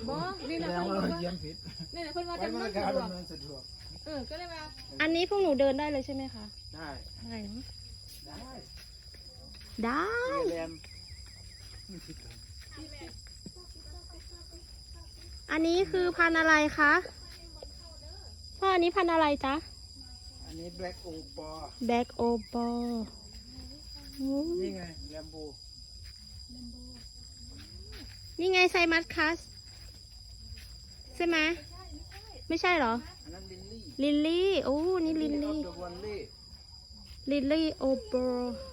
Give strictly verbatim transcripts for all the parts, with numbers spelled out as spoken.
บ่นี่นะแสดเพิ่งนว่าว่าเยี่ยมผิดนี่นะเพิ่นว่าไว้จำนมาวนกาสะรดวกดำเนินสะดวกเออก็เลยว่าอันนี้พวกหนูเดินได้เลยใช่ไหมคะได้ได้เนอะได้ได้เรียนอันนี้คือพันธุ์อะไรคะพ่ออันนี้พันธุ์อะไรจ๊ะอันนี้แบล็กโอปอแบ็กโอปอนี่ไงแลมโบนี่ไงไซมัสคัสใช่ไหมไม่ใช่เหรออันนั้นลินลี่ลิลลี่ โอ้ นี่ลิลลี่ออฟเดอะวันลี่ลิลลี่โอปอ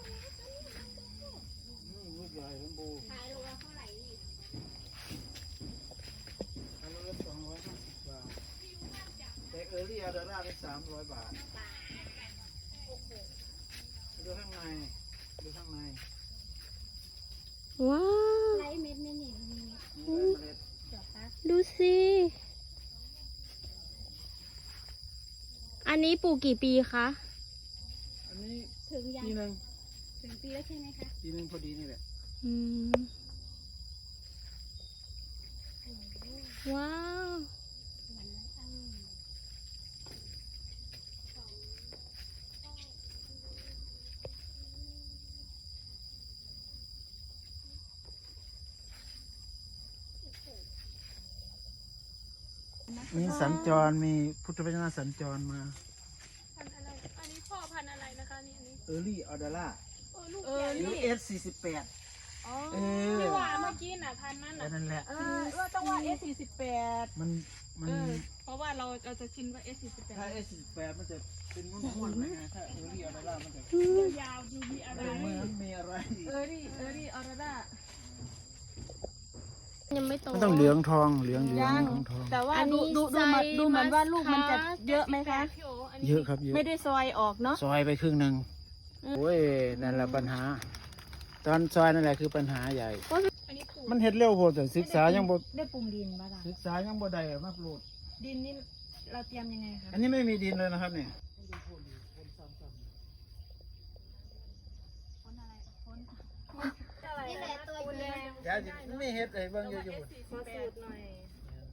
ลูกใหญ่แลมโบขายโลละเท่าไหร่นี่ขายโลละสองร้อยห้าสิบบาทแต่เออร์ลี่อาร์ดาร่าเป็นสามร้อยบาทดูข้างในดูข้างในว้าวไลท์เม็ดไม่หนีมีมีเมล็ดเดี๋ยวปะดูสิ อันนี้ปลูกกี่ปีคะอันนี้ถึงยังปีหนึ่งถึงปีแล้วใช่ไหมคะปีหนึ่งพอดีนี่แหละอืม ว้าวหวานแล้วอังมีสัญจรมีพุทธวจนะสัญจรมาพันอะไรอันนี้พ่อพันอะไรนะคะนี่อันนี้เออร์ลี่อาร์ดาร่าเออลูกเออหรือเอสสี่สิบแปดอ๋อเออที่ว่าเมื่อกี้น่ะพันนั่นแค่น่ะนั้นแหละเออเออต้องว่า เอส สี่สิบแปดมันมันเออเพราะว่าเราเราจะชินว่า เอส สี่สิบแปดถ้าเอสสี่สิบแปดมันจะเป็นม้วนๆนะฮะถ้าเออร์ลี่อาร์ดาร่ามันจะยาวๆดูมีอะไรเมือนมีอะไรเออรี่เออรี่ออร์ด้ายังไม่โตมันต้องเหลืองทองเหลืองเหลืองยังทองทองแต่ว่าอันนี้ดูดูดูมันไซส์ดูเหมือนว่าลูกมันจะมัสคัสเยอะไหมคะพี่โออันนี้เยอะครับเยอะไม่ได้ซอยออกเนาะซอยไปครึ่งหนึ่งโอ้ยนั่นแหละปัญหา ตอนซอยนั่นแหละคือปัญหาใหญ่อันนี้ปลูกมันเห็ดเร็วโพดแต่ศึกษายังบ่ได้ปรุงดินป่ะล่ะศึกษายังบ่ได้อะมากรูดดินนี่เราเตรียมยังไงคะอันนี้ไม่มีดินเลยนะครับเนี่ยนี่แหละตัวเดียวเดี๋ยวจะไม่เห็ดไอ้เบิ่งอยู่อยู่ขอสูตรหน่อย